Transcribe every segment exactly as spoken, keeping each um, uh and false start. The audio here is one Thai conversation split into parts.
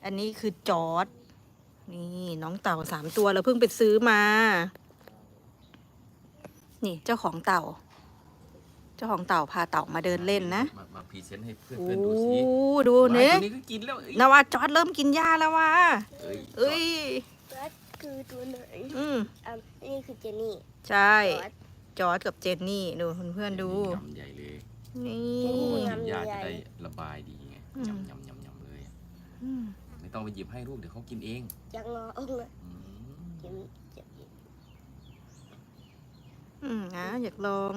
อันนี้คือจอร์ดนี่น้องเต่าสามตัวเราเพิ่งไปซื้อมา นี่เจ้าของเต่า เจ้าของเต่าพาเต่ามาเดินเล่นนะมามาพรีเซนต์ให้เพื่อนโอ้เพื่อนดูสิดูว้ายเนี่ยตัวนี้ก็กินแล้วเอ้ยนาวาจอร์ดเริ่มกินหญ้าแล้วว่ะเอ้ยเอ้ยจอร์จคือตัวไหนอืมอ่ะนี่คือเจนี่ใช่จอร์จจอร์ดกับเจนนี่ดูเพื่อนๆดูยำใหญ่เลยนี่เจนนี่กินยาจะได้ระบายดีไงอืมยำยำยำยำเลยอืมไม่ต้องไปหยิบให้ลูกเดี๋ยวเขากินเองยังรอองค์เลยอืมเจนี่เจนี่อืมนะอยากลอง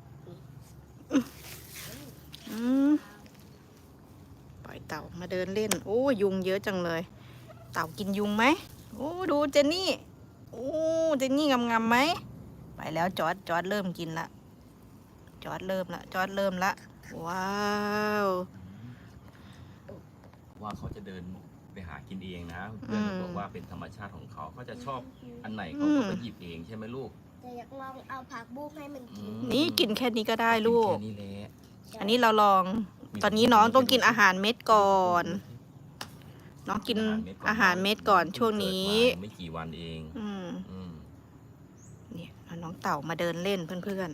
อืมปล่อยเต่ามาเดินเล่น โอ้ยุงเยอะจังเลย เต่ากินยุงไหมโอ้ดูเจนนี่โอ้เจนนี่งำๆไหมไปแล้วจอร์ดจอร์ดเริ่มกินละจอร์ดเริ่มละจอร์ดเริ่มละว้าวว่าเขาจะเดินไปหากินเองนะเพื่อนบอกว่าเป็นธรรมชาติของเขาเขาจะชอบอันไหนเขาก็ไปหยิบเองใช่ไหมลูกแต่อยากลองเอาผักบุ้งให้มันกินอืมนี่กินแค่นี้ก็ได้ลูกแค่นี้แหละอันนี้เราลอง ตอนนี้น้องต้องกินอาหารเม็ดก่อน น้องกินอาหารเม็ดก่อนช่วงนี้เกิดมาไม่กี่วันเองอืมอืมเนี่ยเอาน้องเต่ามาเดินเล่นเพื่อน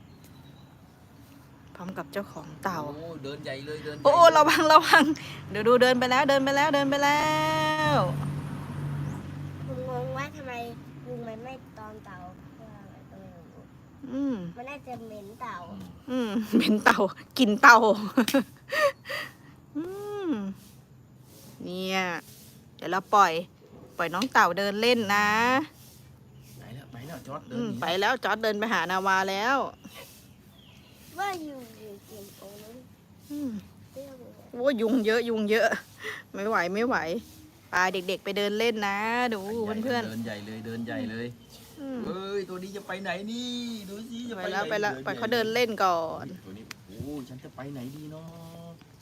ๆ พร้อมกับเจ้าของเต่าโอ้เดินใหญ่เลยเดินใหญ่โอ้เลยระวังระวัง เดี๋ยวดูเดินไปแล้วเดินไปแล้วเดินไปแล้วผมงงว่าทำไมยุงมันไม่ตอมเต่าเพราะอะไรก็ไม่รู้อืมมันน่าจะเหม็นเต่าอืมอืมเป็นเต่า กินเต่า อืมเนี่ยเดี๋ยวเราปล่อย ปล่อยน้องเต่าเดินเล่นนะไปแล้วไปแล้วจอร์ดเดิอืนมหนีไปแล้วจอร์ดเดินไปหานาวาแล้วว่ายุงอยู่กินตรงนั้นอืมเปรี้ยวเลยโอ้ยุงเยอะยุงเยอะ ไม่ไหวไม่ไหวพาเด็กๆไปเดินเล่นนะ ดูไปใหญ่เพื่อนเดินใหญ่เลยเดินใหญ่เลยๆอืมเอ้ยตัวนี้จะไปไหนนี่ดูสิจะไปไปแล้วหนไปแล้วดิปล่อยเขาเดินเล่นก่อนตัวนี้โอ้ฉันจะไปไหนดีเนาะ